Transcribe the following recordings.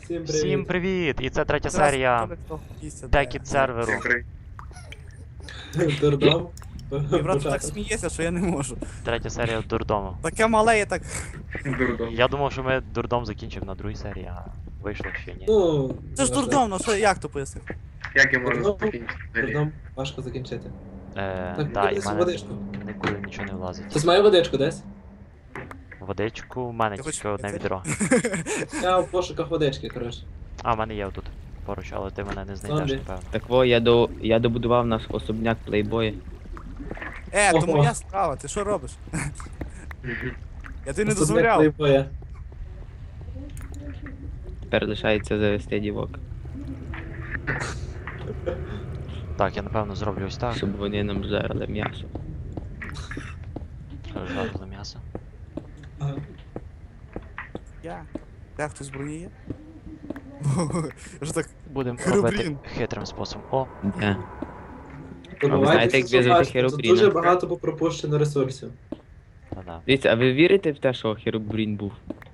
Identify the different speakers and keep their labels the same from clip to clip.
Speaker 1: Всім привіт! І це третя серія Текіт серверу.
Speaker 2: Дурдом.
Speaker 3: Мій брат так сміється, що я не можу.
Speaker 1: Третя серія дурдому.
Speaker 3: Таке мале, я так.
Speaker 4: Дурдом.
Speaker 1: Я думав, що ми дурдом закінчимо на другій серії, а вийшло ще ні.
Speaker 2: Ну,
Speaker 3: Це ж дурдом, ну що, як то пояснив?
Speaker 4: Як я можу
Speaker 2: Дурдом.
Speaker 4: закінчити взагалі?
Speaker 2: Дурдом важко закінчити.
Speaker 1: Да, і
Speaker 2: десь
Speaker 1: в мене
Speaker 2: водичку.
Speaker 1: нікуди нічого не влазить.
Speaker 2: Хтось має водичку десь?
Speaker 1: Водичку, в мене
Speaker 3: Ти
Speaker 1: тільки
Speaker 3: хочеш
Speaker 1: одне
Speaker 3: це?
Speaker 1: відро.
Speaker 2: Я в пошуках водички, коротше.
Speaker 1: А, в мене є отут поруч, але ти мене не знайдеш,
Speaker 2: Зомбі.
Speaker 1: напевно.
Speaker 5: Так во, я добудував наш особняк плейбоя.
Speaker 3: То
Speaker 2: Ого.
Speaker 3: моя справа, ти що робиш? Я тобі не
Speaker 2: Особняк
Speaker 3: дозволяв.
Speaker 2: плейбоя.
Speaker 5: Тепер лишається завести дівок,
Speaker 1: Так, я напевно зроблю ось так.
Speaker 5: щоб вони нам жарили м'ясо.
Speaker 1: Жарили м'ясо.
Speaker 2: Ага.
Speaker 3: Я. Де хтось зброї є? Я ж так.
Speaker 1: Будемо
Speaker 3: Херобрін.
Speaker 1: робити хитрим способом. О,
Speaker 5: Де?
Speaker 2: Добувайтеся,
Speaker 5: знаєте, як
Speaker 2: що
Speaker 5: в'язати
Speaker 2: бачите, тут
Speaker 5: херобріна?
Speaker 2: дуже багато пропущено ресурсів.
Speaker 1: да-да.
Speaker 5: Дивіться, а ви вірите в те, що Херобрін був?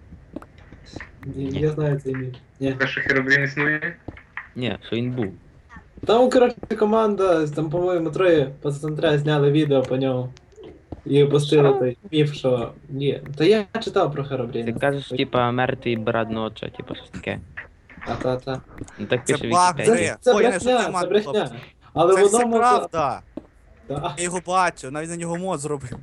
Speaker 2: Я знаю цей міф. Ні.
Speaker 4: Те, що Херобрін існує?
Speaker 5: Ні, що він був.
Speaker 2: Там, коротше, команда, там, по-моєму, троє пацантра зняли відео по ньому. І опустили той міф, що... Ні. Та я читав про
Speaker 5: Ти
Speaker 2: Херобріна.
Speaker 5: кажеш, типа, мертвий брат ноча, типа щось таке.
Speaker 2: Та.
Speaker 5: Ну так
Speaker 3: Це
Speaker 5: пише
Speaker 3: баг,
Speaker 5: Вікіпедія.
Speaker 2: Це
Speaker 3: Ой, я не
Speaker 2: брехня,
Speaker 3: шутив,
Speaker 2: це брехня.
Speaker 3: хлопці.
Speaker 2: Але
Speaker 3: Це
Speaker 2: в
Speaker 3: все
Speaker 2: одному...
Speaker 3: правда.
Speaker 2: Та.
Speaker 3: Я його бачу, навіть на нього мод зробив.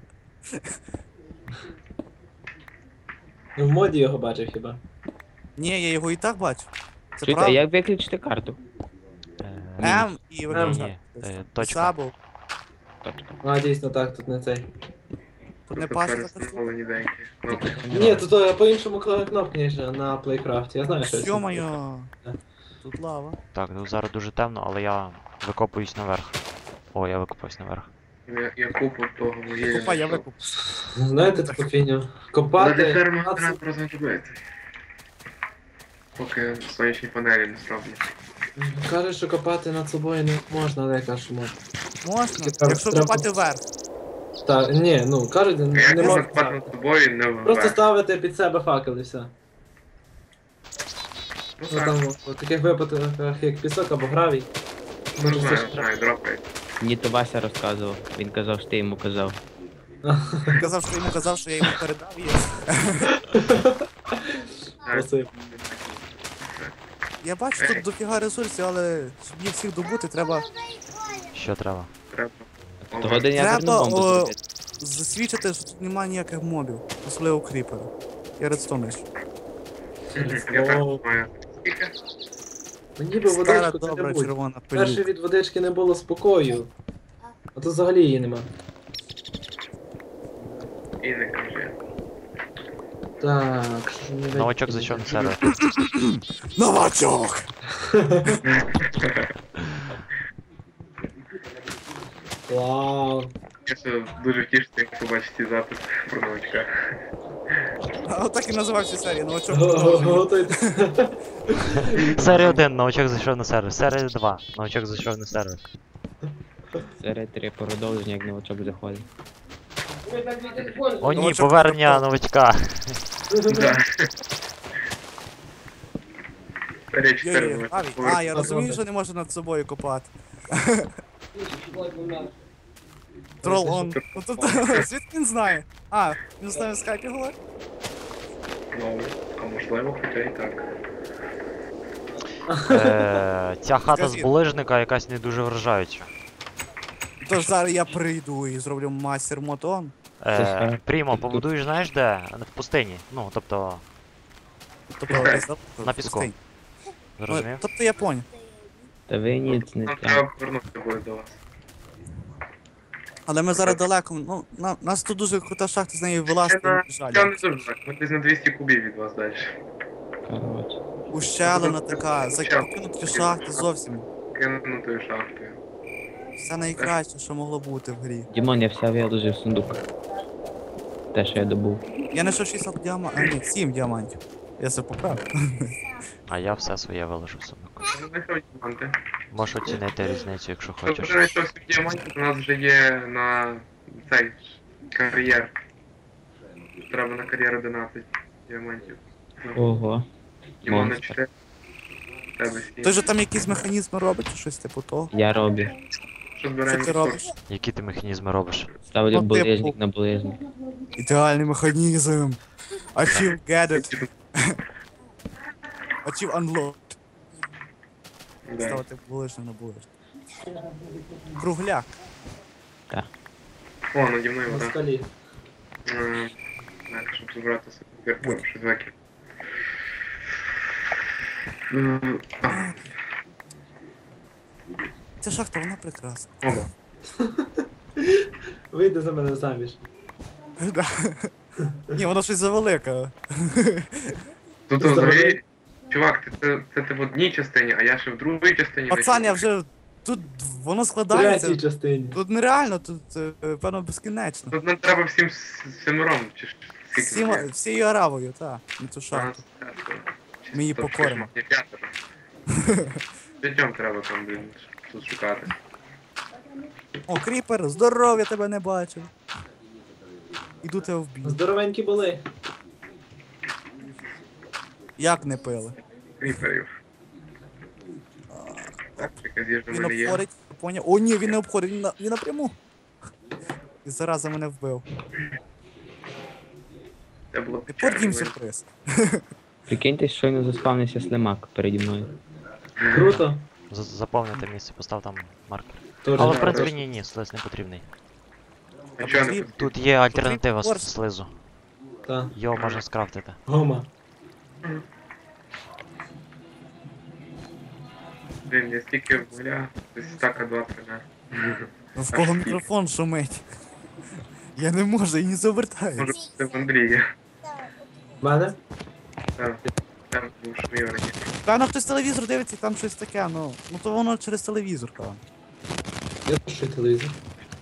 Speaker 2: В моді його бачив хіба.
Speaker 3: Ні, я його і так бачу. Це
Speaker 5: Чуєте, а
Speaker 3: правда.
Speaker 5: як виключити карту?
Speaker 3: М і виключати.
Speaker 1: Точка.
Speaker 3: Сабу.
Speaker 2: А, дійсно так, тут не цей.
Speaker 3: Тут не
Speaker 4: Тобто
Speaker 3: пашка.
Speaker 4: перестановлені деякі. Ну,
Speaker 2: Ні, тут по-іншому кнопки, ніж на плейкрафті, я знаю, що це.
Speaker 3: Йо-моє. Тут лава.
Speaker 1: Так, ну зараз дуже темно, але я викопуюсь наверх. О, я викопаюсь наверх.
Speaker 4: я купу того вугілля.
Speaker 3: Купа, я
Speaker 4: знайшов.
Speaker 3: викуп.
Speaker 2: Знаєте таку фігню?
Speaker 4: Але
Speaker 2: Копати...
Speaker 4: ферму
Speaker 2: 15
Speaker 4: треба розробити. Поки сонячні панелі не зроблять.
Speaker 2: Кажуть, що копати над собою не можна, але я кажу, що можна.
Speaker 3: Можна,
Speaker 2: Тільки
Speaker 3: якщо
Speaker 2: треба-
Speaker 3: копати вверх.
Speaker 2: Так, ні, ну, кажуть,
Speaker 4: Як
Speaker 2: не
Speaker 4: можна
Speaker 2: можна.
Speaker 4: купати над собою, не вверх.
Speaker 2: Просто ставити під себе факел і все.
Speaker 4: Ну
Speaker 2: Ну
Speaker 4: так,
Speaker 2: там, в таких випадках, як пісок або гравій.
Speaker 4: ну
Speaker 2: Може, це
Speaker 4: знаю, дропай.
Speaker 5: Мені то Вася розказував. Він казав, що ти йому казав.
Speaker 3: Казав, що йому казав, що я йому передав її.
Speaker 2: Спасибо.
Speaker 3: Я бачу тут дофіга ресурсів, але щоб їх всіх добути, треба
Speaker 1: Що треба?
Speaker 4: Треба.
Speaker 5: Того день я
Speaker 3: Треба,
Speaker 5: бомбу
Speaker 3: о,
Speaker 5: зробити.
Speaker 3: засвідчити, що тут немає ніяких мобів, особливо кріпера. Я редстоун ще.
Speaker 4: Я так маю. Скільки?
Speaker 2: Мені би
Speaker 3: Стара
Speaker 2: водичку
Speaker 3: добра
Speaker 2: це
Speaker 3: червона
Speaker 2: Перше
Speaker 3: пилюка.
Speaker 2: від водички не було спокою. А тут взагалі її нема.
Speaker 4: І не кажи.
Speaker 2: Так, що ж мені
Speaker 1: Новачок зайшов на сервер.
Speaker 3: Новачок!
Speaker 2: Вау.
Speaker 4: Я ще дуже втішиться, як побачиш ці записи про новачка.
Speaker 3: А отак і називався серія, новачок.
Speaker 2: Готуйте.
Speaker 1: Серія 1, новачок зайшов на сервер. Серія 2, новачок зайшов на сервер.
Speaker 5: Серед 3 продовження, як новачок заходить.
Speaker 1: О ні,
Speaker 3: Новачок
Speaker 1: повернення новачка.
Speaker 4: Да. Річ
Speaker 3: Йо-йо, а, я розумію,
Speaker 2: Добре.
Speaker 3: що не можу над собою копати. Трол он. Ну, тут, звідки він знає? А, він з нами в скайпі говорить?
Speaker 4: Ну, а можливо, хоча і так.
Speaker 1: Ця хата з
Speaker 3: Скажи.
Speaker 1: булижника якась не дуже вражаюча.
Speaker 3: Тож зараз я прийду і зроблю мастер мотон.
Speaker 1: Прімо, побудуєш, знаєш де? В пустині. Ну, тобто,
Speaker 3: Тобто,
Speaker 1: На піску. зрозумів?
Speaker 3: Тобто я поняв.
Speaker 5: Та ви ніц не
Speaker 4: Нам
Speaker 5: так.
Speaker 4: треба повернутися буде до вас.
Speaker 3: Але ми зараз далеко, ну, нас тут дуже крута шахта, з неї вилазити
Speaker 4: Це
Speaker 3: жаль.
Speaker 4: не дуже так. Ми десь на 200 кубів від вас далі.
Speaker 5: Коротше.
Speaker 3: Ущелина така, закинуті шахти зовсім.
Speaker 4: Кинутою шахтою.
Speaker 3: Все найкраще, що могло бути в грі.
Speaker 5: Дімон, я все виложив в сундук. Те, що я добув.
Speaker 3: Я знайшов 60 діамантів, а ні, 7 діамантів. Я це поправив.
Speaker 1: А я все своє виложу в сумку.
Speaker 4: Я знайшов діаманти.
Speaker 1: Можеш оцінити різницю, якщо
Speaker 4: Тобто
Speaker 1: хочеш.
Speaker 4: вже знайшов свій діамантів, у нас вже є на цей кар'єр. Треба на кар'єр 11 діамантів.
Speaker 5: Ого.
Speaker 4: Дімон на
Speaker 5: Монстр.
Speaker 4: 4. тебе
Speaker 3: Той
Speaker 4: сім.
Speaker 3: же там якісь механізми робить, чи щось типу того.
Speaker 5: Я роблю.
Speaker 4: Що
Speaker 3: Що
Speaker 4: збираємо?
Speaker 3: ти робиш?
Speaker 1: Які ти механізми робиш?
Speaker 5: Ставлю
Speaker 3: Ну, типу.
Speaker 5: булижник на булижник.
Speaker 3: Ідеальний механізм. Achieve get it. Achieve unlocked.
Speaker 4: Да.
Speaker 3: Ставити булишник на булишник. Кругляк.
Speaker 4: О, наді мною
Speaker 2: На
Speaker 4: вода.
Speaker 2: скалі.
Speaker 4: Так, щоб забрати собі щось викид. А,
Speaker 3: Ця шахта, вона прекрасна.
Speaker 4: оба.
Speaker 2: Вийди за мене заміж.
Speaker 3: Да. Ні, вона щось завелика.
Speaker 4: Тут взагалі, чувак, це в одній частині, а я ще в другій частині.
Speaker 3: Пацан, я вже. Тут воно
Speaker 2: В третій
Speaker 3: складається.
Speaker 2: частині.
Speaker 3: Тут нереально, тут певно безкінечно.
Speaker 4: Тут нам треба всім семером, чи скільки
Speaker 3: Всім,
Speaker 4: нас є?
Speaker 3: всією аравою, так. На цю шахту. Ми її покоримо.
Speaker 4: Є п'ятеро. П'ятьом треба там, блін, тут шукати.
Speaker 3: О, кріпер, здоров, я тебе не бачив. Іду тебе вб'ю.
Speaker 2: Здоровенькі були.
Speaker 3: Як не пили?
Speaker 4: Кріперів. Так, якась їжа в
Speaker 3: Він
Speaker 4: мене є.
Speaker 3: обходить, поняв. О, ні, він не обходить, він напряму. І зараза мене вбив.
Speaker 4: Це було
Speaker 3: І потім
Speaker 4: печально.
Speaker 3: сюрприз.
Speaker 5: Прикиньте, щойно заспавнився слимак переді мною.
Speaker 2: Круто.
Speaker 1: Заповнити місце, постав там маркер.
Speaker 2: Тоже
Speaker 1: Але в
Speaker 2: не
Speaker 1: принципі
Speaker 2: просто.
Speaker 1: ні, слиз не потрібний.
Speaker 4: А чого не
Speaker 3: Потрібно?
Speaker 1: Тут є альтернатива
Speaker 3: Потрібен
Speaker 1: слизу.
Speaker 2: Та.
Speaker 1: Його можна скрафтити.
Speaker 2: Гома.
Speaker 4: Блін, я стільки вугля, десь стака 20, да.
Speaker 3: Ну, в кого мікрофон шумить? Я не можу, і не
Speaker 4: Може
Speaker 3: завертаюсь.
Speaker 4: це в Андрія.
Speaker 2: В мене?
Speaker 4: Так, там був шумів раніше.
Speaker 3: Певно, хтось телевізор дивиться, і там щось таке, ну то воно через телевізор, певно.
Speaker 2: Я що телевізор.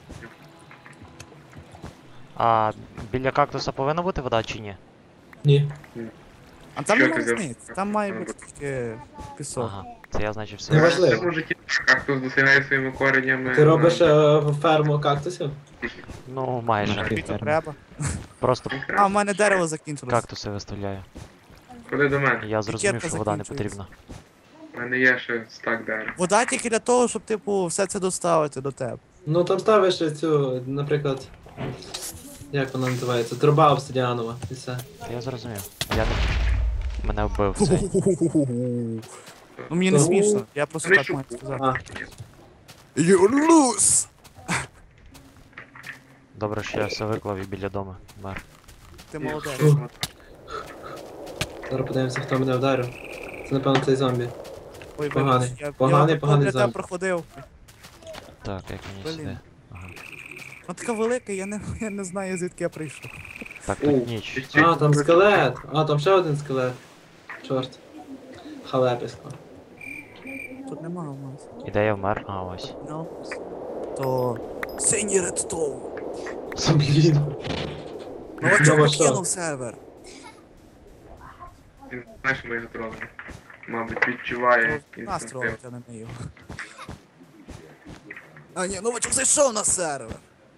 Speaker 1: А біля кактуса повинна бути вода чи ні?
Speaker 2: Ні.
Speaker 3: А там
Speaker 4: Що
Speaker 3: нема
Speaker 4: ти взяв?
Speaker 3: різниці, там має бути тільки пісок.
Speaker 1: Ага, це я значить все.
Speaker 2: Не важливо.
Speaker 4: Це мужики, кактус досягає своїми коренями.
Speaker 2: Ти робиш ферму кактусів?
Speaker 1: Ну, майже.
Speaker 5: Нахуй.
Speaker 3: Тобі то треба.
Speaker 1: Просто
Speaker 3: А, в мене дерево закінчилось.
Speaker 1: кактуси виставляю.
Speaker 4: Ходи до мене.
Speaker 1: Я зрозумів,
Speaker 3: Пікетка
Speaker 1: що вода не
Speaker 3: закінчується.
Speaker 1: потрібна.
Speaker 4: У мене є ще стак дерева.
Speaker 3: Вода тільки для того, щоб, типу, все це доставити до тебе.
Speaker 2: Ну там ставиш цю, наприклад. Як вона називається? Труба обсидіанова. І все.
Speaker 1: Я зрозумів. Я не... Мене вбив цей.
Speaker 3: Ну мені не
Speaker 2: Ну,
Speaker 3: смішно, я просто
Speaker 4: не
Speaker 3: так
Speaker 4: шуку.
Speaker 3: маю сказати.
Speaker 2: А,
Speaker 3: You lose!
Speaker 1: Добре, що я все виклав і біля дому. Мер.
Speaker 3: Ти молодець.
Speaker 2: зараз подивимося, хто мене вдарив. Це напевно цей зомбі.
Speaker 3: Ой,
Speaker 2: Поганий.
Speaker 3: вибач,
Speaker 2: Поганий,
Speaker 3: я
Speaker 2: поганий
Speaker 3: для тебе
Speaker 2: зомбі.
Speaker 3: проходив.
Speaker 1: Так, як мені
Speaker 3: Блін.
Speaker 1: сюди. Ага.
Speaker 3: Вона така велика, я не знаю, звідки я прийшов.
Speaker 1: Так,
Speaker 4: О,
Speaker 1: тут ніч.
Speaker 2: А, там скелет. А, там ще один скелет. Чорт. Халеписько.
Speaker 3: Тут нема у нас.
Speaker 1: І де я вмер? А, ось.
Speaker 3: No. То синій редстоун.
Speaker 2: Блін.
Speaker 3: Новачок
Speaker 2: Ну, що?
Speaker 3: покинув сервер.
Speaker 4: Він знаєш, ми його тролимо. Мабуть, відчуває
Speaker 3: Нас
Speaker 4: інстинктив.
Speaker 3: тролить, а не ми його. А ні, новачок зайшов на сервер.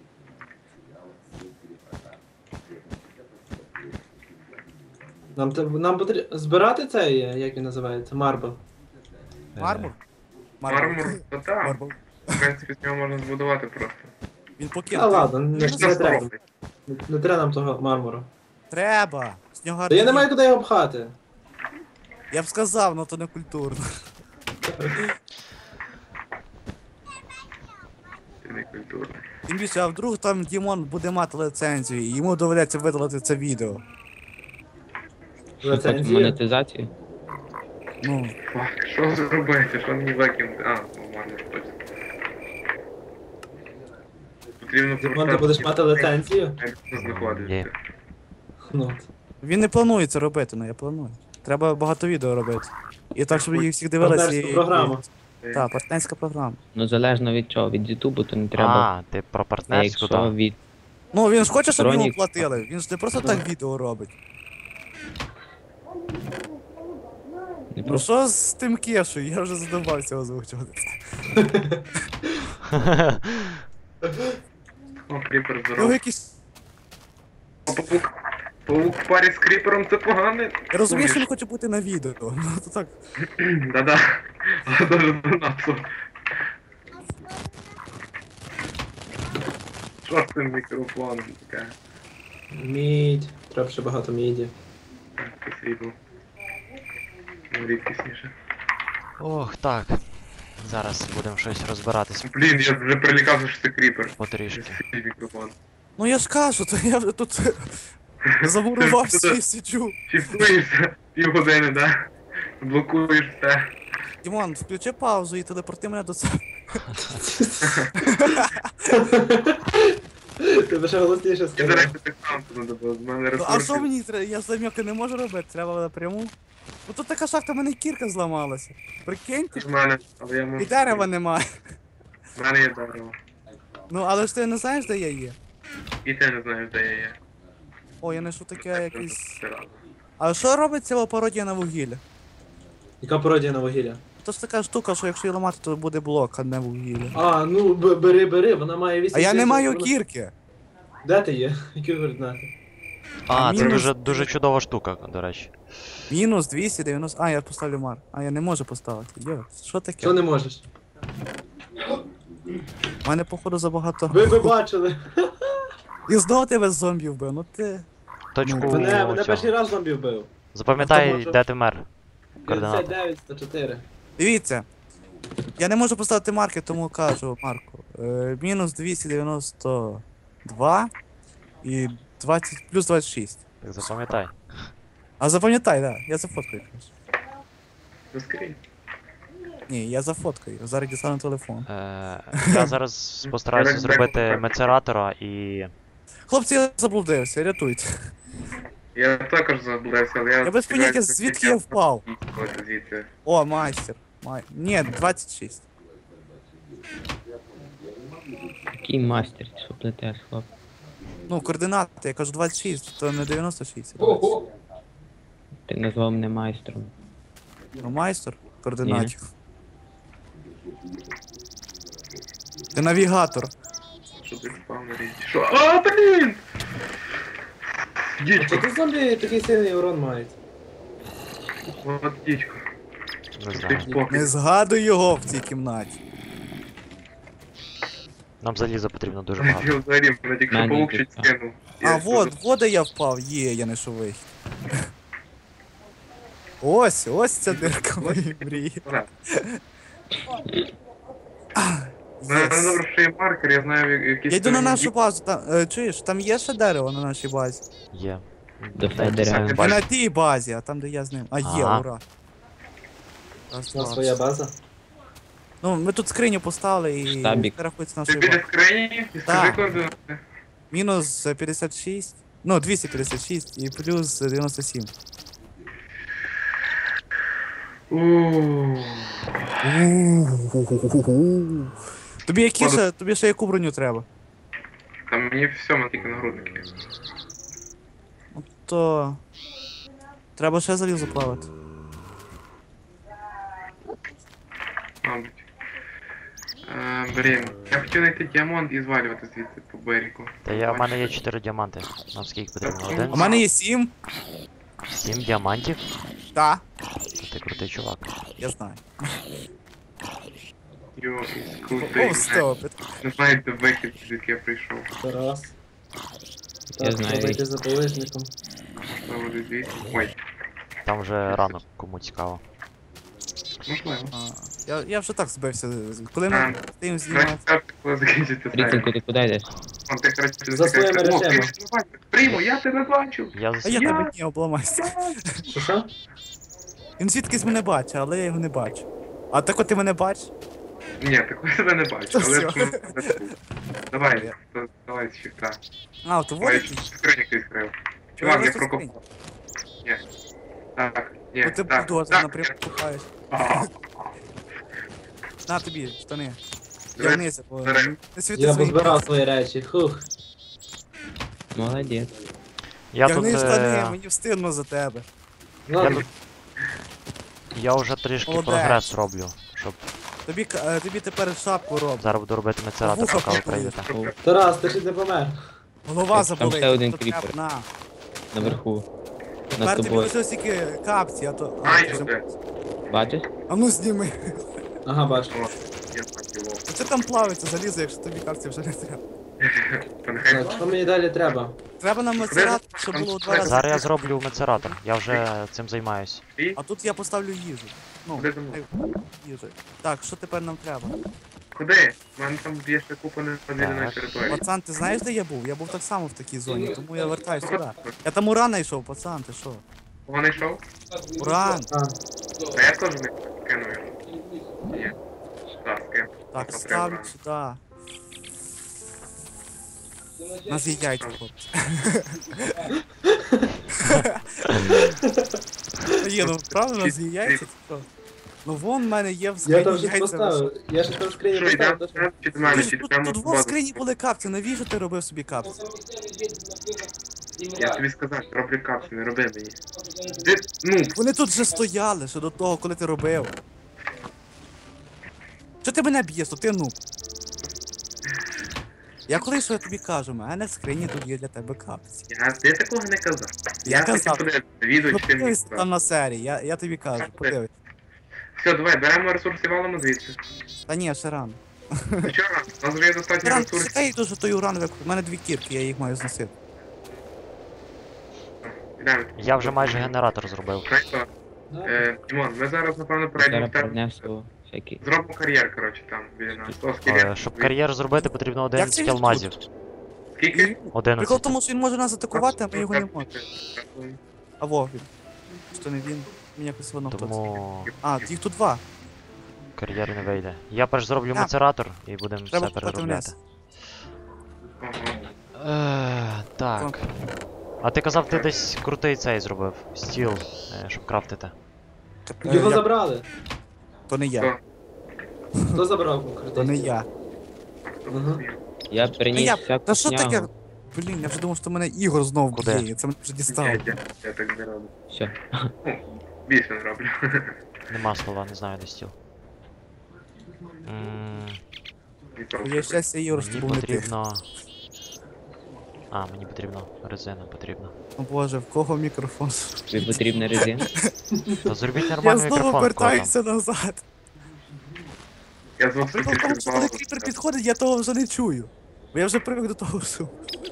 Speaker 2: Нам потрібно збирати цей, як він називається, марбл.
Speaker 3: Мармур?
Speaker 4: Мармур, то так.
Speaker 3: Мармур.
Speaker 4: В принципі, з нього можна збудувати просто.
Speaker 3: Він
Speaker 2: А
Speaker 3: покинув.
Speaker 2: ладно, не
Speaker 4: Що нас
Speaker 2: треба.
Speaker 4: робить?
Speaker 2: Не треба нам того мармуру.
Speaker 3: Треба. З нього
Speaker 2: Та я не
Speaker 3: гарний
Speaker 2: маю куди його пхати.
Speaker 3: Я б сказав, но то не культурно.
Speaker 4: Це не культурно.
Speaker 3: Тим більше, а вдруг там Дімон буде мати лицензію, і йому доведеться видалити це відео.
Speaker 5: Що потім
Speaker 2: Лицензія.
Speaker 5: монетизацію?
Speaker 3: Ну,
Speaker 4: Фак, що зробити? Що мені викинути? А, нормально, точно. Потрібно
Speaker 2: Дімон, ти будеш мати лицензію?
Speaker 4: Як це знаходиться?
Speaker 1: Є.
Speaker 2: Ну. от.
Speaker 3: він не планує це робити, але я планую. Треба багато відео робити. І так, щоб їх всіх дивилися.
Speaker 2: Партнерську програму.
Speaker 3: Так, партнерська програма.
Speaker 5: Ну залежно від чого, від Ютубу, то не треба.
Speaker 1: А, ти про
Speaker 5: А
Speaker 1: партнерську,
Speaker 5: якщо
Speaker 1: так.
Speaker 5: від.
Speaker 3: Ну, він ж хоче, щоб йому
Speaker 5: Сторонніх.
Speaker 3: платили. Він ж не просто так відео робить.
Speaker 5: Не
Speaker 3: Ну
Speaker 5: просто
Speaker 3: що з тим кешою? Я вже задумався озвучувати.
Speaker 4: О, кріпер
Speaker 3: Ну,
Speaker 4: здоров.
Speaker 3: якийсь...
Speaker 4: Папук. Паук в парі з кріпером це погано.
Speaker 3: Я розумію, що він хоче бути на відео. Ну то так.
Speaker 4: Да-да. Але дуже донату. Що з цим мікрофоном таке?
Speaker 2: Мідь. Треба ще багато міді.
Speaker 4: Так, це срібло. Ну, рідкісніше.
Speaker 1: Ох, так. Зараз будемо щось розбиратись
Speaker 4: Блін, я вже прилікався, що це кріпер.
Speaker 1: потрішки.
Speaker 4: Свій мікрофон.
Speaker 3: Ну я ж кажу, то я вже тут замурувався і сиджу.
Speaker 4: Чіпуєшся півгодини, да? Блокуєш все.
Speaker 3: Дімон, включи паузу і телепорти мене до себе.
Speaker 2: Ти б ще голосніше
Speaker 4: Я, до
Speaker 2: сказав.
Speaker 4: речі, так само туди було. З мене
Speaker 3: Ну, а
Speaker 4: ресурсів.
Speaker 3: що мені треба? Я зам'яки не можу робити, треба напряму. Ну тут така шахта, в мене кірка зламалася. Прикиньте,
Speaker 4: З мене, але я можу...
Speaker 3: і дерева немає.
Speaker 4: В мене є дерево.
Speaker 3: Ну але ж ти не знаєш, де я є?
Speaker 4: І ти не знаєш, де я є.
Speaker 3: О, я знайшов таке якесь.
Speaker 4: Це рано.
Speaker 3: А що робить ця пародія на вугілля?
Speaker 2: Яка пародія на вугілля?
Speaker 3: То ж така штука, що якщо її ламати, то буде блок, а не вугілля.
Speaker 2: А, ну бери, вона має 8.
Speaker 3: А я не маю кірки.
Speaker 2: Де ти є? Які координати?
Speaker 1: А, це
Speaker 3: мінус-
Speaker 1: дуже чудова штука, до речі.
Speaker 3: Мінус 290. А, я поставлю мар. А я не можу поставити. Йо, що таке?
Speaker 2: Що не можеш?
Speaker 3: У мене походу забагато.
Speaker 2: Ви би бачили.
Speaker 3: І знову тебе зомбі вбив, ну ти.
Speaker 1: Точку
Speaker 2: Мене
Speaker 1: цього.
Speaker 2: перший раз зомбі вбив.
Speaker 1: Запам'ятай,
Speaker 2: Автомат.
Speaker 1: де ти мер. Координати.
Speaker 2: 59, 104.
Speaker 3: Дивіться. Я не можу поставити марки, тому кажу Марку. Мінус 292 і 20 плюс 26.
Speaker 1: Так запам'ятай.
Speaker 3: А запам'ятай, да, я зафоткаю. якраз.
Speaker 4: Заскрінь.
Speaker 3: Ні, я зафоткаю, зараз дістану телефон.
Speaker 1: Я зараз постараюся зробити мецератора і.
Speaker 3: Хлопці, я заблудився, рятуйте.
Speaker 4: Я також заблудився, але я...
Speaker 3: Я без поняття, звідки я впав.
Speaker 4: Звідси.
Speaker 3: О, майстер. Ні, 26.
Speaker 5: Який мастер, ти що плетеш, хлоп?
Speaker 3: Ну, координати, я кажу 26, то не 96.
Speaker 2: Ого!
Speaker 5: Ти назвав мене майстром.
Speaker 3: Ну, майстер координатів. Ти навігатор.
Speaker 4: Що ти впав на річ? Що? А, блін!
Speaker 2: А
Speaker 4: Дідько.
Speaker 2: чого тут зомбі такий сильний урон мають?
Speaker 4: От дідько.
Speaker 1: Не
Speaker 4: Ти
Speaker 1: знаю.
Speaker 4: спокій.
Speaker 3: Не згадуй його в цій кімнаті.
Speaker 1: Нам заліза потрібно дуже багато.
Speaker 4: Я взагалі мене тільки що
Speaker 5: Мене
Speaker 4: паук
Speaker 5: йде.
Speaker 4: чуть скинув.
Speaker 3: А, вот де я впав. Є, я знайшов вихід. Ось ця дирка моєї мрії.
Speaker 4: Мене
Speaker 3: Єс.
Speaker 4: добре, що є маркер, я знаю, якісь...
Speaker 3: Я йду на нашу базу, там, чуєш, там є ще дерево на нашій базі?
Speaker 1: Є.
Speaker 5: До
Speaker 1: Дайте
Speaker 5: Федера.
Speaker 1: самі
Speaker 3: Не
Speaker 1: бачите.
Speaker 3: на тій базі, а там, де я з ним. А є,
Speaker 1: Ага.
Speaker 3: ура. Раз,
Speaker 2: У нас
Speaker 3: два.
Speaker 2: своя база.
Speaker 3: Ну, ми тут скриню поставили і
Speaker 5: Штабік.
Speaker 3: це рахується
Speaker 4: Ти
Speaker 3: нашою
Speaker 4: біля
Speaker 3: базою.
Speaker 4: скрині? І скажи
Speaker 3: Так.
Speaker 4: координати.
Speaker 3: Мінус 56, ну 256 і плюс 97. Тобі ще яку броню треба?
Speaker 4: Там мені все, мене тільки нагрудники.
Speaker 3: То... Треба ще залізо плавати.
Speaker 4: Мабуть. Блін, я хотів знайти діамант і звалювати звідси по берегу.
Speaker 1: Та в мене є 4 діаманти. Нам скільки потрібно? Один?
Speaker 3: У мене є 7.
Speaker 1: 7 діамантів?
Speaker 3: Так,
Speaker 1: Ти крутий чувак.
Speaker 3: я знаю.
Speaker 4: Йо, і крутий.
Speaker 3: О, стоп.
Speaker 4: Не знаю, де вихід, звідки я прийшов.
Speaker 2: Тарас.
Speaker 5: Я
Speaker 2: Так,
Speaker 5: знаю.
Speaker 2: треба йти за полижником.
Speaker 4: Можливо, десь звідси. Ой,
Speaker 1: Там вже рано, кому цікаво.
Speaker 4: можливо.
Speaker 3: Я вже так збився. Коли ми стоїмо
Speaker 4: Краще
Speaker 3: знімати.
Speaker 4: скажете, коли закінчиться серія.
Speaker 5: Ріцинку, ти куди йдеш?
Speaker 4: Он ти, коротше,
Speaker 2: За своїми
Speaker 4: закінчиться. О,
Speaker 2: речами.
Speaker 4: ти ж не бачиш. Прийму, я тебе бачу.
Speaker 1: Я
Speaker 3: А я
Speaker 1: засів.
Speaker 3: тебе не обламайся.
Speaker 2: Що?
Speaker 3: Він звідкись мене бачить, але я його не бачу. А так от ти мене бачиш?
Speaker 4: Ні, такого тебе не бачу, але
Speaker 3: Всьо.
Speaker 4: ж ну, не тут. Давай, давай з щита.
Speaker 3: А, то
Speaker 4: Ой,
Speaker 3: водить?
Speaker 4: скриню ти відкрив. Чувак, я
Speaker 3: просто
Speaker 4: прокопав. Ні. Так, ні,
Speaker 3: Бо ти
Speaker 4: так,
Speaker 3: бульдозер
Speaker 4: так.
Speaker 3: напряму купаєш.
Speaker 4: А,
Speaker 3: На тобі, штани.
Speaker 4: Давай,
Speaker 3: Ягнися, бо
Speaker 4: давай.
Speaker 3: не світи
Speaker 2: Я
Speaker 3: свої.
Speaker 2: позбирав свої речі. Хух.
Speaker 5: Молодець.
Speaker 1: Я тут.
Speaker 3: Ягни штани, мені встидно за тебе.
Speaker 1: Я
Speaker 2: Ладно,
Speaker 1: тут. Я вже трішки
Speaker 3: Молодець.
Speaker 1: прогрес роблю, щоб
Speaker 3: Тобі тепер шапку роблю.
Speaker 1: зараз буду робити мецератор,
Speaker 3: Вуха
Speaker 1: поки ви
Speaker 3: попали.
Speaker 1: прийдете.
Speaker 2: Тарас, ти ще не помер.
Speaker 3: Голова
Speaker 5: Там
Speaker 3: заболить.
Speaker 5: ще один
Speaker 3: то
Speaker 5: кріпер.
Speaker 3: треба, на.
Speaker 5: наверху. Над
Speaker 3: Тепер тобі
Speaker 5: тобою.
Speaker 3: лишилось тільки капці, а то...
Speaker 4: Ай,
Speaker 3: ти
Speaker 4: що
Speaker 3: вже-
Speaker 4: ти?
Speaker 5: Бачиш?
Speaker 3: А ну зніми.
Speaker 2: Ага, бачу.
Speaker 4: О, я так його.
Speaker 3: Це там плавиться залізо, якщо тобі капці вже не треба.
Speaker 4: Та нехай
Speaker 2: Так, що мені далі треба?
Speaker 3: Треба нам мацерат, щоб було у 2 рази.
Speaker 1: Зараз я зроблю мецератор. Я вже цим займаюсь.
Speaker 4: твій.
Speaker 3: А тут я поставлю їжу. Ну,
Speaker 4: Куди за мною?
Speaker 3: їжу. Так, що тепер нам треба?
Speaker 4: Куди? У мене там є ще купа незвільної
Speaker 1: Так.
Speaker 4: території.
Speaker 3: Пацан, ти знаєш, де я був? Я був так само в такій зоні, тому я вертаюсь сюди. Я там уран знайшов, пацан, ти що?
Speaker 4: Кого знайшов?
Speaker 3: Уран!
Speaker 2: А,
Speaker 4: А я теж не кину його. Ні. Так, скину.
Speaker 3: Так,
Speaker 4: Смотри,
Speaker 3: ставлю
Speaker 4: уран.
Speaker 3: сюди. У нас є яйця, хлопці. Є, ну правда, у нас є яйця, чи що? Ну вон в мене є в
Speaker 2: я там
Speaker 3: скрині
Speaker 2: щось
Speaker 3: яйця.
Speaker 2: поставив. Я щось там в скрині
Speaker 4: Що,
Speaker 2: поставив.
Speaker 4: йдемо
Speaker 2: то що-
Speaker 4: чи до мене,
Speaker 3: Ти ж
Speaker 4: чи
Speaker 3: Тут
Speaker 4: йдемо
Speaker 3: тут
Speaker 4: в
Speaker 3: во в
Speaker 4: базу?
Speaker 3: скрині були капці, навіщо ти робив собі капці?
Speaker 4: Я тобі сказав, роблю капсу, не роби мені. Ти, ну,
Speaker 3: Вони тут вже стояли, ще до того, коли ти робив. Що ти мене б'єш, то ти ну. Я коли що я тобі кажу, в мене в скрині тут є для тебе капці.
Speaker 4: ти такого не казав.
Speaker 3: Я казав.
Speaker 4: хотів подивитися відео,
Speaker 3: Ну
Speaker 4: чи ти мені
Speaker 3: подивись там
Speaker 4: сказав.
Speaker 3: на серії, я тобі кажу, подивись.
Speaker 4: Все, давай, беремо ресурси, валимо звідси.
Speaker 3: Та ні, ще рано.
Speaker 4: Вчора, у нас вже є достатньо
Speaker 3: Ран,
Speaker 4: ресурсів.
Speaker 3: чекай дуже той уран викуп. У мене 2 кірки, я їх маю зносити.
Speaker 4: Йдемо.
Speaker 1: Я вже майже генератор зробив.
Speaker 4: Знаєш що? Дімон, ми зараз, напевно, перейдемо
Speaker 5: Зараз
Speaker 4: в тебе.
Speaker 5: принесу всякі.
Speaker 4: Зробимо кар'єр, коротше, там, біля нас. О, скільки?
Speaker 1: Щоб кар'єр зробити, потрібно
Speaker 3: Як це
Speaker 1: 11
Speaker 3: він
Speaker 1: алмазів.
Speaker 4: Скільки?
Speaker 3: Прикол
Speaker 1: 11.
Speaker 3: в тому, що він може нас атакувати, а ми його не можемо. А во, він. Що не він? Мені якось воно хтось.
Speaker 1: Тому
Speaker 3: А, їх тут 2.
Speaker 1: кар'єр не вийде. Я перш зроблю
Speaker 3: А.
Speaker 1: мецератор і будемо
Speaker 3: Треба
Speaker 1: все
Speaker 3: купити
Speaker 1: переробляти.
Speaker 4: Ага.
Speaker 1: Так. А ти казав, ти десь крутий цей зробив. Стіл, щоб крафтити.
Speaker 2: Його забрали.
Speaker 3: То не я.
Speaker 2: Хто забрав
Speaker 3: То
Speaker 2: конкретно?
Speaker 3: не я.
Speaker 2: Ага.
Speaker 5: Я
Speaker 3: Та
Speaker 5: приніс
Speaker 3: я.
Speaker 5: всяку
Speaker 3: Та що таке?
Speaker 5: снягу.
Speaker 3: Блін, я вже думав, що мене Ігор знов
Speaker 1: Куди?
Speaker 3: б'є, це мене вже дістало.
Speaker 4: Я так не роблю.
Speaker 5: Все.
Speaker 4: Більше не роблю.
Speaker 1: Нема слова, не знаю, де стіл.
Speaker 3: Моє щастя, Ігор, що
Speaker 1: Мені
Speaker 3: був не ти.
Speaker 1: потрібно. А, мені потрібно резина потрібно.
Speaker 3: О боже, в кого мікрофон?
Speaker 5: Тобі потрібна резина.
Speaker 1: Та зробіть
Speaker 3: Я
Speaker 1: нормальний
Speaker 3: знову
Speaker 1: мікрофон, кого там.
Speaker 3: вертаюся назад.
Speaker 4: Я звук
Speaker 3: Прикол в тому, що коли кріпер підходить, я того вже не чую. Бо я вже привик до того шуму.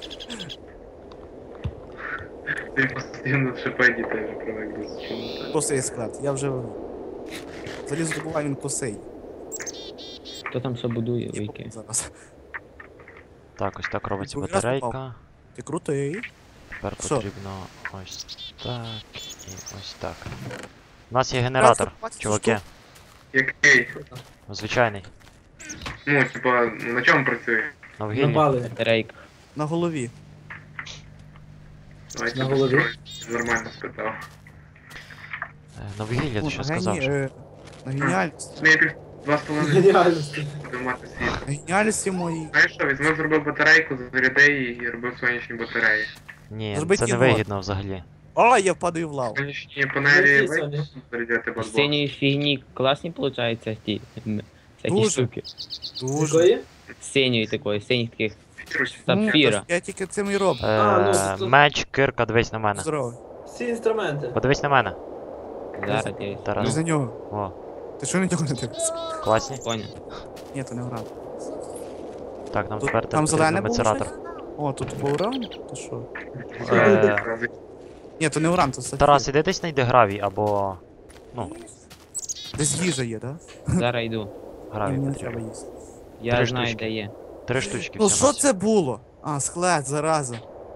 Speaker 4: Ти постійно шипеді теж привик до шуму.
Speaker 3: Косий склад, я вже... Залізо добуваю, він косий.
Speaker 5: Хто там що будує,
Speaker 3: Я
Speaker 5: вийки?
Speaker 3: зараз.
Speaker 1: Так, ось так робиться
Speaker 3: Ніби раз
Speaker 1: батарейка.
Speaker 3: Ти крутий.
Speaker 1: Тепер
Speaker 3: Що?
Speaker 1: потрібно ось так і ось так. У нас є генератор,
Speaker 3: 20
Speaker 1: чуваки.
Speaker 4: Який?
Speaker 1: Звичайний.
Speaker 4: Ну, типа, на чому працює?
Speaker 1: На вугіллі.
Speaker 2: Напали.
Speaker 5: Батарейка.
Speaker 3: На голові.
Speaker 4: Давайте
Speaker 2: На голові?
Speaker 4: построю. Нормально спитав.
Speaker 1: На вугіллі, ти
Speaker 3: Ну,
Speaker 1: що сказав?
Speaker 3: На геніальності.
Speaker 4: Ми пів 2,5
Speaker 2: Геніальності.
Speaker 4: будемо мати світ.
Speaker 3: На геніальності моїй.
Speaker 4: Знаєш що, візьми, зробив батарейку, заряди її і робив сонячні батареї.
Speaker 1: Ні,
Speaker 3: Зроби
Speaker 1: це не
Speaker 3: кіно.
Speaker 1: вигідно взагалі.
Speaker 3: А, я впадаю в лаву.
Speaker 4: Сонячні панелі
Speaker 2: Які
Speaker 4: вийдуть,
Speaker 2: Соня?
Speaker 4: зарядяти
Speaker 5: З
Speaker 4: базбокс.
Speaker 5: синьої фігні класні получаються ті всякі
Speaker 3: Дуже.
Speaker 5: штуки.
Speaker 3: Дуже.
Speaker 2: Якої?
Speaker 5: З синьої такої, синіх таких
Speaker 4: Фірусь.
Speaker 5: сапфіра.
Speaker 3: Я тільки цим і роблю.
Speaker 2: ну,
Speaker 1: Меч, кирка, дивись на мене.
Speaker 3: Здорово.
Speaker 2: Всі інструменти.
Speaker 1: Подивись на мене.
Speaker 5: Зараз я
Speaker 3: Не
Speaker 1: Тарас.
Speaker 3: за нього.
Speaker 1: О,
Speaker 3: Ти що на нього не дивишся?
Speaker 1: класні.
Speaker 5: поняв.
Speaker 3: Ні, то не уран.
Speaker 1: Так, нам
Speaker 3: Тут-
Speaker 1: тепер
Speaker 3: там зелене
Speaker 1: потрібно
Speaker 3: було
Speaker 1: мецератор.
Speaker 3: О, тут по уран? То що?
Speaker 1: Е,
Speaker 3: Ні, то не уран, то сапфір.
Speaker 1: Тарас, іди десь знайди гравій або. Ну,
Speaker 3: Десь їжа є, да?
Speaker 5: Зараз йду.
Speaker 3: Ні,
Speaker 1: гравій
Speaker 3: мені не
Speaker 1: потрібно.
Speaker 3: треба їсти.
Speaker 5: Я
Speaker 1: Три
Speaker 5: знаю,
Speaker 1: штучки.
Speaker 5: де є.
Speaker 1: 3 штучки
Speaker 3: Ну
Speaker 1: всього.
Speaker 3: що це було? А, склад, зараза.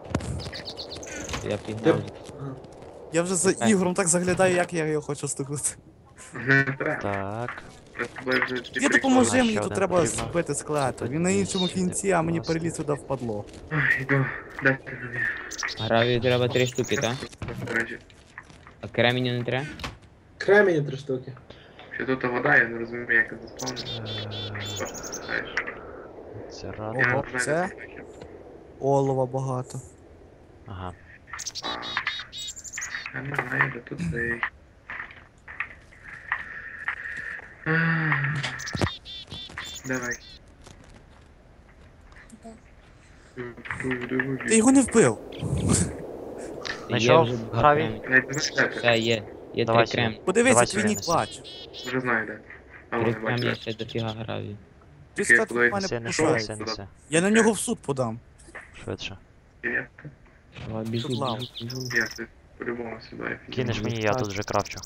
Speaker 5: Я пігнав.
Speaker 3: Я вже за
Speaker 5: Так.
Speaker 3: Ігорем так заглядаю, як я його хочу стукнути.
Speaker 4: Не треба.
Speaker 1: Так.
Speaker 4: Ми з тобою вже ці
Speaker 3: Ти
Speaker 4: приколи.
Speaker 3: допоможи
Speaker 1: Ще
Speaker 3: мені, тут
Speaker 1: один
Speaker 3: треба
Speaker 1: потрібно.
Speaker 3: збити склад.
Speaker 1: Тут
Speaker 3: Він на іншому
Speaker 1: сюди,
Speaker 3: кінці, а мені
Speaker 1: будь ласка.
Speaker 3: переліз сюди впадло.
Speaker 4: Ой, йду. Дайте мені.
Speaker 5: Гравію треба 3 штуки, так?
Speaker 4: До речі,
Speaker 5: А кременю не треба?
Speaker 2: Кремені 3 штуки.
Speaker 4: що тут вода, я не розумію, як це заспавнити. Знаєш.
Speaker 1: Мецератор.
Speaker 4: Я
Speaker 3: Ого,
Speaker 4: вже
Speaker 3: це?
Speaker 4: не знаю.
Speaker 3: Олова багато.
Speaker 1: Ага.
Speaker 4: Я не знаю, де тут цей. Давай.
Speaker 3: Ти його не вбив.
Speaker 1: Знайшов
Speaker 5: вже два
Speaker 1: гравій?
Speaker 5: кремні.
Speaker 4: Навіть не знаєте.
Speaker 5: Все, є. Є
Speaker 1: Давай
Speaker 5: 3
Speaker 1: сюди.
Speaker 5: кремні.
Speaker 3: Подивися,
Speaker 1: Давай
Speaker 3: твій
Speaker 1: сюди
Speaker 3: нік
Speaker 1: неси.
Speaker 3: бач.
Speaker 4: Вже знаю, де. А
Speaker 5: 3
Speaker 4: вони
Speaker 5: кремні
Speaker 4: бачать.
Speaker 5: ще дофіга гравію.
Speaker 3: Ти сказав,
Speaker 4: куди?
Speaker 3: в мене
Speaker 1: Неси, неси,
Speaker 3: пошається.
Speaker 1: неси, неси.
Speaker 3: Я на нього в суд подам.
Speaker 1: Швидше.
Speaker 4: Є.
Speaker 5: Давай, біжу,
Speaker 3: Тут лава.
Speaker 5: біжу.
Speaker 4: Я ти по-любому сюди.
Speaker 1: Кинеш мені, я тут вже крафчу.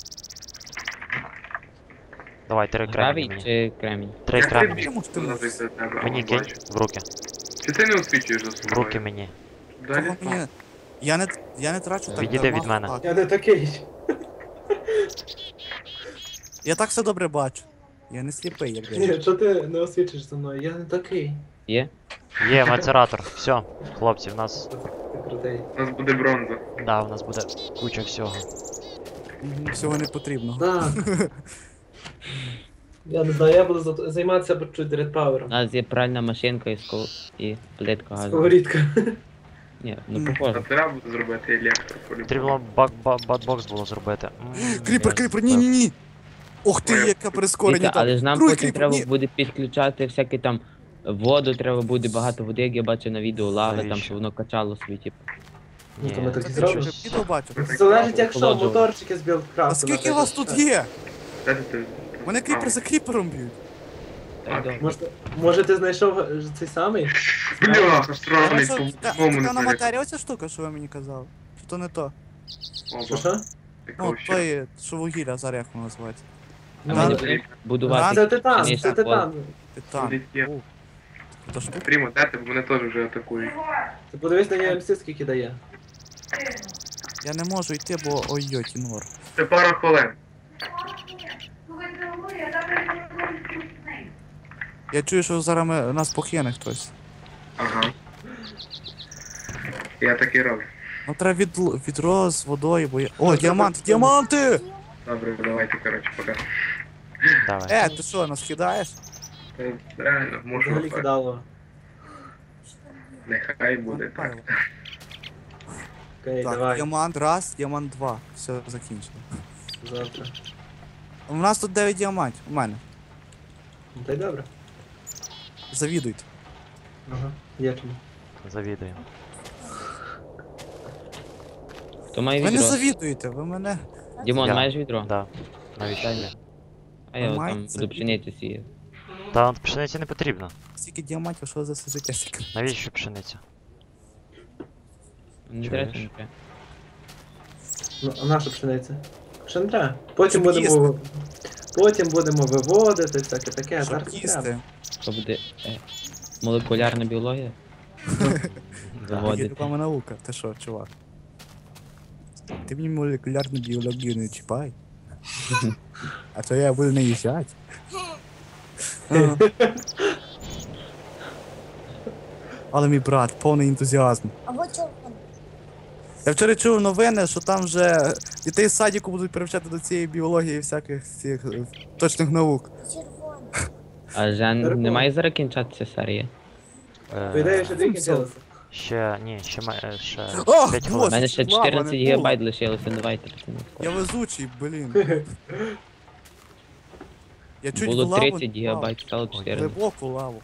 Speaker 1: Давай, 3 кремні
Speaker 5: Гравій
Speaker 1: мені.
Speaker 5: чи кремінь?
Speaker 1: 3 кремні.
Speaker 3: Чому ж ти можеш?
Speaker 1: Мені кинь в руки.
Speaker 4: Чи ти не освічуєш за
Speaker 1: В
Speaker 4: собою?
Speaker 1: руки мені.
Speaker 4: Далі?
Speaker 3: Того мені... Я не трачу так
Speaker 1: Відійди
Speaker 3: дарма
Speaker 1: від мене.
Speaker 3: багато.
Speaker 2: Я не такий.
Speaker 3: Я так все добре бачу. Я не сліпий, як
Speaker 2: Ні,
Speaker 3: десь.
Speaker 2: що ти не освічиш за мною? Я не такий.
Speaker 5: Є?
Speaker 1: Є, мацератор. Все, хлопці, в нас.
Speaker 2: Ти крутий.
Speaker 4: У нас буде бронза.
Speaker 1: Да, в нас буде куча всього.
Speaker 3: Всього не потрібно.
Speaker 2: Да. Я не знаю, я буду займатися чуть
Speaker 5: У
Speaker 2: редпавером.
Speaker 5: нас є пральна машинка і плитка газу.
Speaker 2: Сковорідка.
Speaker 5: Ні, ну
Speaker 4: А
Speaker 5: похоже.
Speaker 4: треба буде зробити електро
Speaker 1: Потрібно бадбокс було зробити.
Speaker 3: Кріпер, ні. Ох ти, яке прискорення
Speaker 5: Віка,
Speaker 3: там.
Speaker 5: але ж нам
Speaker 3: Другий
Speaker 5: потім
Speaker 3: кріпер,
Speaker 5: треба
Speaker 3: ні.
Speaker 5: буде підключати всякі там воду, треба буде багато води, як я бачу на відео лави, там,
Speaker 1: Навіщо?
Speaker 5: щоб воно качало собі, типу.
Speaker 2: Ну, то ми так і
Speaker 3: Це ти
Speaker 2: зробимо.
Speaker 3: вже відео бачив.
Speaker 2: Залежить, якщо
Speaker 5: Охолоджував.
Speaker 2: моторчики з білдкрафту.
Speaker 3: А скільки вас тут є?
Speaker 4: Де ти?
Speaker 3: Мене кріпер за кріпером б'ють.
Speaker 5: Та й добре.
Speaker 2: Може ти знайшов цей самий?
Speaker 4: Бля, сраний,
Speaker 3: Це
Speaker 4: по-моєму не
Speaker 3: така на
Speaker 4: знаю.
Speaker 3: матерія оця штука, що ви мені казали? Чи то не то?
Speaker 2: Що
Speaker 4: Опа,
Speaker 2: що?
Speaker 3: Ну,
Speaker 4: такого ще.
Speaker 3: той, що вугілля, зараз як воно називається.
Speaker 5: А
Speaker 2: Да,
Speaker 5: ми не
Speaker 2: да.
Speaker 5: будемо будувати.
Speaker 2: Це титан,
Speaker 5: пшеничний
Speaker 2: це титан.
Speaker 3: Титан.
Speaker 4: Буде є.
Speaker 3: Ух, то штука.
Speaker 4: Прямо, де ти, бо мене теж вже атакують.
Speaker 2: Ти подивись на нього скільки дає.
Speaker 3: Я не можу йти, бо ой-ой, кінор.
Speaker 4: Це пара хвилин.
Speaker 3: Я чую, що зараз нас покине хтось.
Speaker 4: Ага. Я так і роблю.
Speaker 3: Ну треба відро з водою, бо я... О, діаманти, діаманти!
Speaker 4: Добре, давайте, коротше, пока.
Speaker 1: Давай.
Speaker 3: Ти що, нас кидаєш?
Speaker 4: Реально, можу.
Speaker 2: Взагалі кидало.
Speaker 4: Нехай буде так.
Speaker 2: Окей,
Speaker 3: Так,
Speaker 2: давай.
Speaker 3: діамант раз, діамант два. Все, закінчено.
Speaker 2: Завтра.
Speaker 3: У нас тут 9 діамантів, у мене.
Speaker 2: Ну, та й добре.
Speaker 3: Завідуйте.
Speaker 2: Ага, є чому.
Speaker 1: Завідую.
Speaker 5: Хто має
Speaker 3: Ви не
Speaker 5: відро?
Speaker 3: завідуєте, ви мене...
Speaker 5: Дімон,
Speaker 1: Я.
Speaker 5: маєш відро?
Speaker 1: Да. Навіщо
Speaker 5: Дай
Speaker 1: тобі?
Speaker 5: мені. А я от
Speaker 3: Маєте
Speaker 5: там буду
Speaker 3: завідувати.
Speaker 5: пшеницю сіяти.
Speaker 1: Та пшениці не потрібно.
Speaker 3: Стільки діамантів, що за все життя стільки?
Speaker 1: Навіщо пшениця?
Speaker 5: Не
Speaker 1: Чуєш?
Speaker 5: треба, не треба.
Speaker 2: Ну, а наша пшениця? Ще не треба. Потім
Speaker 3: Щоб
Speaker 2: будемо... Потім будемо виводити, всяке таке, а
Speaker 3: Щоб
Speaker 2: зараз не треба.
Speaker 3: їсти.
Speaker 5: Що буде молекулярна біологія?
Speaker 3: Є
Speaker 5: Виводити.
Speaker 3: реклама наука, ти що, чувак? Ти мені молекулярну біологію не чіпай. А то я буду наїжджати. Ага. Але мій брат, повний ентузіазм.
Speaker 6: А вот что он?
Speaker 3: Я вчора чув новини, що там вже дітей з садіку будуть привчати до цієї біології і всяких цих точних наук.
Speaker 6: Червоный.
Speaker 5: А Жан, немає зараз кінчатися серія?
Speaker 2: По ідеї, ще дві
Speaker 3: Все.
Speaker 2: кінчилися.
Speaker 1: Ще, ні, ще, ще
Speaker 3: О,
Speaker 1: 5
Speaker 5: У
Speaker 1: хвилин.
Speaker 5: мене ще
Speaker 3: лава,
Speaker 5: 14
Speaker 3: не
Speaker 5: гігабайт лишилося, давайте, пацани.
Speaker 3: Я везучий, блін. Я чуть
Speaker 5: Було
Speaker 3: в лаву
Speaker 5: 30
Speaker 3: не впав.
Speaker 5: гігабайт, стало 14.
Speaker 3: Глибоку лаву.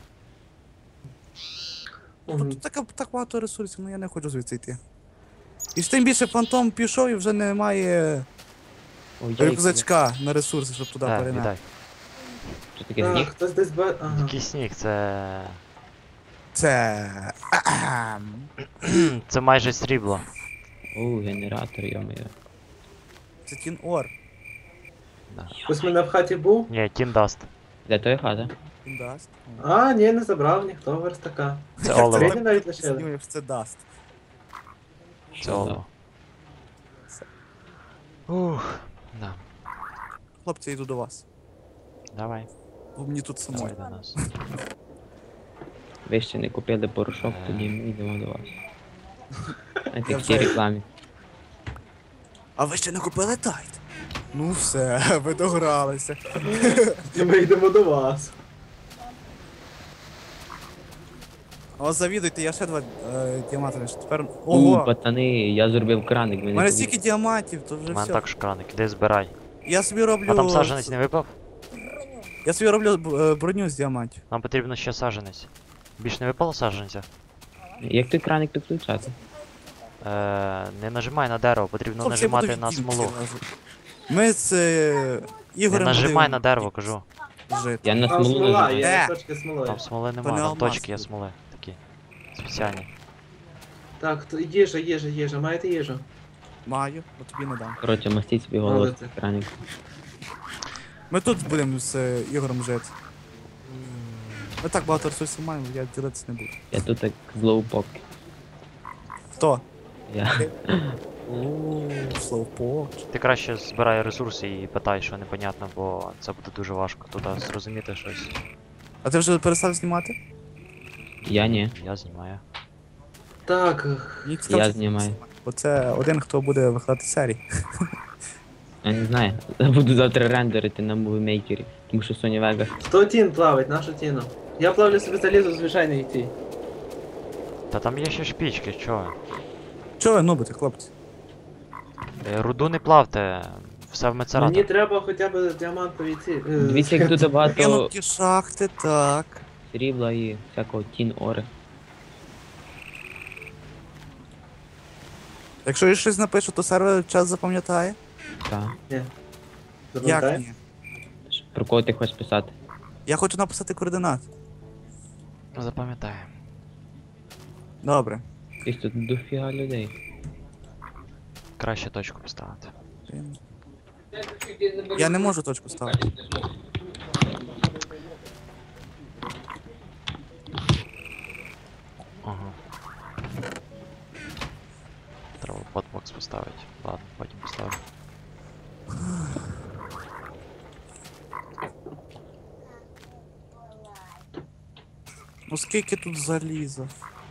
Speaker 2: Мгм.
Speaker 3: Тут так багато ресурсів, ну я не хочу звідси йти. І ж тим більше фантом пішов і вже немає
Speaker 5: Ой, яйки.
Speaker 3: рюкзачка на ресурси, щоб туди
Speaker 1: Так,
Speaker 3: перенести.
Speaker 1: віддай.
Speaker 5: Що таке
Speaker 2: Так,
Speaker 5: сніг?
Speaker 2: хтось десь Ага.
Speaker 1: Який сніг, це...
Speaker 3: Це.
Speaker 1: Це майже срібло.
Speaker 5: О, генератор, йо-моє.
Speaker 3: Це Тін Ор.
Speaker 2: Хтось в мене в хаті був?
Speaker 1: Ні, тіндаст.
Speaker 5: Де той хата?
Speaker 3: Він даст.
Speaker 2: А, ні, не забрав ніхто верстака.
Speaker 1: Це олово.
Speaker 2: Сьогодні навіть лишили.
Speaker 3: Знімеш, це даст.
Speaker 1: Це олово. Ух, да.
Speaker 3: Хлопці, я йду до вас.
Speaker 1: Давай,
Speaker 3: Бо мені тут самой.
Speaker 1: давай до нас.
Speaker 5: Ви ще не купили порошок, тоді ми йдемо до вас. Знаєте,
Speaker 3: Я
Speaker 5: в цій
Speaker 3: вже-
Speaker 5: рекламі.
Speaker 3: А ви ще не купили тайт? Ну все, ви догралися.
Speaker 2: І ми йдемо до вас.
Speaker 3: О, завідуйте, я ще два діаманти лише. Тепер.
Speaker 5: У,
Speaker 3: Ого!
Speaker 5: пацани, я зробив краник,
Speaker 3: У
Speaker 5: ви не
Speaker 3: мене
Speaker 5: повірите.
Speaker 3: стільки діамантів, то
Speaker 1: У
Speaker 3: вже
Speaker 1: мене
Speaker 3: все.
Speaker 1: також краник, іди збирай.
Speaker 3: Я собі роблю.
Speaker 1: А там саджанець не випав?
Speaker 3: Я собі роблю броню з діамантів.
Speaker 1: Нам потрібно ще саджанець. Більш не випало саджанця?
Speaker 5: Як той краник підключати?
Speaker 1: Не нажимай на дерево, потрібно
Speaker 3: Хлопці, я буду
Speaker 1: нажимати на
Speaker 3: відкинути
Speaker 1: смолу.
Speaker 3: зразу. Ми з
Speaker 1: Не
Speaker 3: Ігорем
Speaker 1: нажимай
Speaker 3: будемо
Speaker 1: на дерево, кажу.
Speaker 3: жити.
Speaker 5: Я на
Speaker 2: Там
Speaker 5: смолу
Speaker 2: смола,
Speaker 5: нажимаю.
Speaker 2: є
Speaker 3: Де?
Speaker 2: точки смоли.
Speaker 1: Там смоли
Speaker 3: То
Speaker 1: нема,
Speaker 3: не
Speaker 1: там
Speaker 3: алмаз
Speaker 1: точки є
Speaker 3: тут.
Speaker 1: смоли. Такі. Спеціальні.
Speaker 2: Так, то їжа, маєте їжу?
Speaker 3: Маю, бо тобі не дам.
Speaker 5: Коротше, мастіть собі голос
Speaker 2: Молодці.
Speaker 5: екрані.
Speaker 3: Ми тут будемо з Ігорем жити. Ми так багато ресурсів маємо, я ділитися не буду.
Speaker 5: Я тут як злоупок.
Speaker 3: Хто?
Speaker 5: Я.
Speaker 3: Ооо, слоупок.
Speaker 1: Ти краще збирай ресурси і питай, що непонятно, бо це буде дуже важко тут зрозуміти щось.
Speaker 3: А ти вже перестав знімати?
Speaker 5: Я ні.
Speaker 1: Я знімаю.
Speaker 2: Так,
Speaker 3: Мені цікаво,
Speaker 5: Я
Speaker 3: що ти
Speaker 5: знімаю.
Speaker 3: знімаєш. Бо це один, хто буде викладати серії.
Speaker 5: Я не знаю. Я буду завтра рендерити на мувімейкері. Тому що Sony Vegas.
Speaker 2: хто тін плавить, нашу тіну? Я плавлю собі залізу в звичайній ті.
Speaker 1: Та там є ще шпічки, чого?
Speaker 3: Чого ви нубите, хлопці?
Speaker 1: Руду не плавте, все в
Speaker 2: Мені
Speaker 1: мецератор.
Speaker 2: треба хоча б діамантові ці.
Speaker 5: Дивіться, як тут багато
Speaker 3: Кинуті шахти, так.
Speaker 5: срібла і всякого тін ори.
Speaker 3: Якщо я щось напишу, то сервер час запам'ятає?
Speaker 5: Так.
Speaker 3: Як
Speaker 2: Запам'ятай?
Speaker 3: ні?
Speaker 5: Про кого ти хочеш писати?
Speaker 3: Я хочу написати координат.
Speaker 1: Запам'ятаю.
Speaker 3: Добре.
Speaker 5: Десь тут дофіга людей.
Speaker 1: Краще точку поставити.
Speaker 3: Я не можу точку ставити.
Speaker 1: Ага. Треба подбокс поставити. Ладно, потім поставлю.
Speaker 3: Ну скільки тут заліза?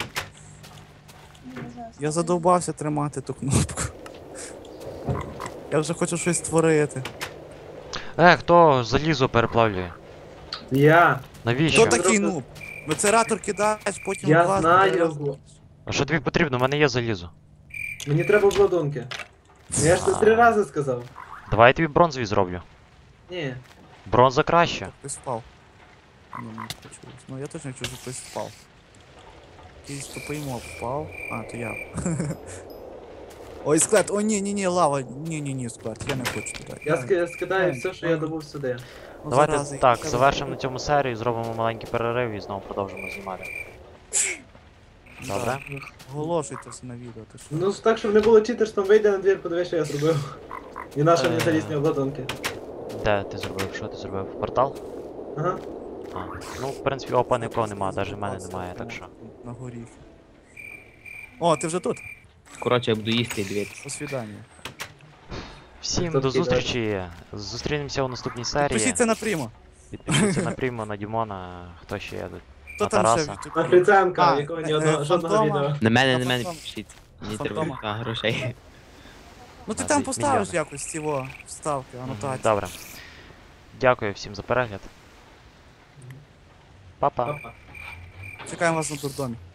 Speaker 3: Я задовбався тримати ту кнопку. Я вже хочу щось створити.
Speaker 1: Хто залізо переплавлює?
Speaker 2: Я.
Speaker 1: Навіщо?
Speaker 3: Хто такий нуб? Мецератор кидаєш, потім
Speaker 2: Я
Speaker 3: клас,
Speaker 2: знаю
Speaker 3: я-
Speaker 2: його.
Speaker 1: А що тобі потрібно? У мене є залізо.
Speaker 2: Мені треба обладунки. Я ж це 3 рази сказав.
Speaker 1: Давай я тобі бронзові зроблю.
Speaker 2: Ні.
Speaker 1: Бронза краще.
Speaker 3: Хтось впав. Ні, не почулось. Ну я точно чую, що хтось впав. Якийсь тупий моб впав. А, то я. Ой, склад, о ні, лава. Ні, склад, я не хочу туди.
Speaker 2: Я скидаю все, що я добув сюди.
Speaker 3: Ну,
Speaker 1: Давайте
Speaker 3: зарази,
Speaker 1: так,
Speaker 3: я
Speaker 1: завершимо на цьому серію, зробимо маленький перерив і знову продовжимо знімати.
Speaker 3: Да,
Speaker 1: Добре?
Speaker 3: Оголошуйте все на відео, ти що?
Speaker 2: Ну так, щоб не було читерством, вийде на двір, подивись, що я зробив. І наші мені залізні обладунки.
Speaker 1: Де ти зробив? Що ти зробив? Портал?
Speaker 2: Ага.
Speaker 1: А. Ну, в принципі, опа нікого немає, навіть в мене немає, так що.
Speaker 3: На горі. О, ти вже тут?
Speaker 5: Коротше, я буду їсти і дивитися.
Speaker 3: До свидання.
Speaker 1: Всім
Speaker 2: Хто
Speaker 1: до
Speaker 2: такий,
Speaker 1: зустрічі. Зустрінемося у наступній серії.
Speaker 3: Пишіться на прямо.
Speaker 1: Підпишіться на Прімо, на Дімона, хто ще є тут.
Speaker 3: Хто
Speaker 1: На
Speaker 3: там ще
Speaker 1: Тараса.
Speaker 3: в
Speaker 2: На
Speaker 3: Ютубі?
Speaker 2: Фріценка,
Speaker 3: А,
Speaker 2: якого ні одного жодного
Speaker 3: Фантома.
Speaker 2: відео.
Speaker 5: На мене
Speaker 3: На фантом.
Speaker 5: пишіть. Мені
Speaker 3: Фантома.
Speaker 5: треба грошей.
Speaker 3: Ну ти
Speaker 1: На
Speaker 3: там
Speaker 1: мільйони.
Speaker 3: поставиш якось ці вставки,
Speaker 1: Мгм,
Speaker 3: анотації.
Speaker 1: Добре. Дякую всім за перегляд. Па-па.
Speaker 2: Папа.
Speaker 3: Чекаємо вас на дурдомі.